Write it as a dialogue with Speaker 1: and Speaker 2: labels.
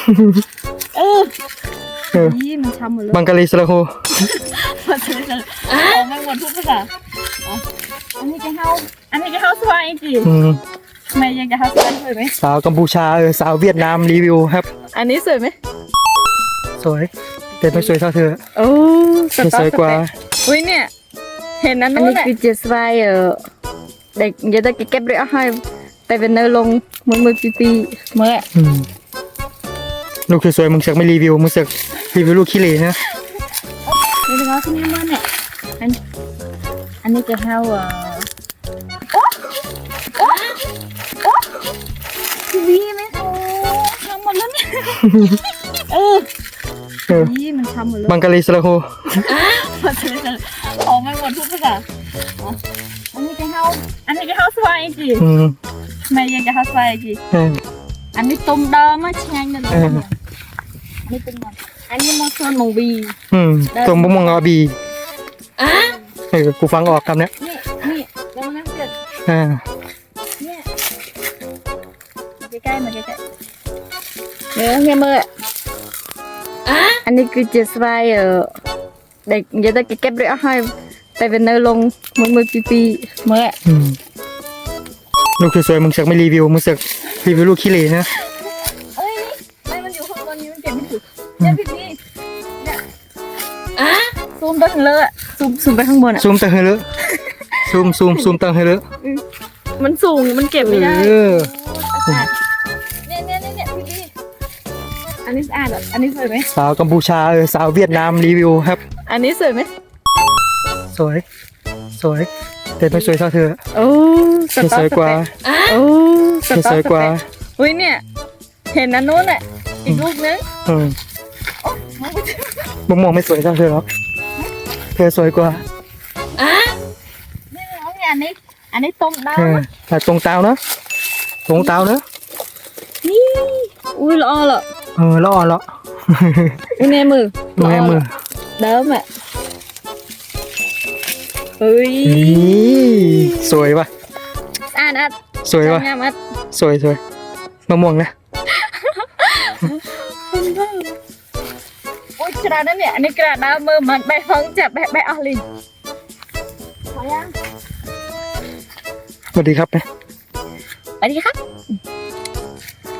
Speaker 1: ยี่มันช้ำหมดเลย
Speaker 2: บังกะลีสระโฮ
Speaker 1: มันจะไม่หมดทุกภาษาอันนี้จะเข้าสวายจริงทำไมยังจะเข้าสวายสวยไหม
Speaker 2: สาวกัมพูชาสาวเวียดนามรีวิวครับ
Speaker 1: อันนี้สวยไหม
Speaker 2: สวยแต่ไม่สวยเท่าเธอ
Speaker 1: โอ้
Speaker 2: สวยกว่า
Speaker 1: อุ้ยเนี่ยเห็นนั้นนู้นแหละคือเจสไวเด็กอย่าได้เก็บเรื่องให้แต่เป็นเนื้อลงมือปีเมื่อ
Speaker 2: ลูกสวยมึงเสือกไม่รีวิวมึงเสือกรีวิวลูกขี้เหร่นะ
Speaker 1: นี่เป็นอะไรที่นี่มันเนี่ยอันนี้จะเข้าทีวีไหมทำหมดแล้วเนี่ยนี่มันทำหมดแล้ว
Speaker 2: บังกะลีสระโฮ
Speaker 1: มันจะไม่หมดทุกภาษาอันนี้จะเข้าสวายจริงทำไมยังจะเข้าสวายจริงอันนี้ต้มดำมาแช่งนั่นเลยนี่เป็นมันอันนี้มอสซอนมงบี
Speaker 2: ต้มบุ้งมังอาบีกูฟังออกคำเนี้ย
Speaker 1: นี่แล้วมันเกิดเนี่ยใกล้ๆมาใกล้ๆเงี้ยเมื่ออันนี้คือเจสไวเด็กอย่าได้เก็บเรื่องให้แต่เป็นเนื้อลงมือปีเมื่อ
Speaker 2: ลูกสวยมึงเสือกไม่รีวิวมึงเสือกรีวิวลูกขี้เหร่นะ
Speaker 1: ไม่มันอยู่ข้างบนนี้มันเก็บไม่ถูกเนี่ยพี่นี่เนี่ยซูมไปข้างเลยซูมไปข้างบน
Speaker 2: ซูมตังให้เลยซูมตังให้เลย
Speaker 1: มันสูงมันเก็บไม่ได้เนี่ยพี่นี่อันนี้สะอาดอันนี้สวยไหม
Speaker 2: สาวกัมพูชาสาวเวียดนามรีวิวครับ
Speaker 1: อันนี้สวยไหม
Speaker 2: สวยแต่ไม่สวยเท่าเธอสวยกว่าสวยกว่า
Speaker 1: อุ้ยเนี่ยเห็นนั้นนู้นแหละอีกลูกนึง
Speaker 2: มองไม่สวยเท่าเธอหรอกเธอสวยกว่า
Speaker 1: นี่น้องอันนี้ตรงดาว
Speaker 2: แต่ตรงเตาเนอะ
Speaker 1: นี่อุ้ยละอ่อละ
Speaker 2: ละอ่อนละ
Speaker 1: อุ้ยแน่มือเดิมอ่ะเฮ้ย
Speaker 2: สวยป่ะสวยป่ะสวยมะม่วงนะ
Speaker 1: โอ้ยกระดาษนั่นเนี่ยอันนี้กระดาษดาวมือมันใบห้องจับใบออลินพอยัง
Speaker 2: สวัสดีครับนะ
Speaker 1: สวัสดีครับ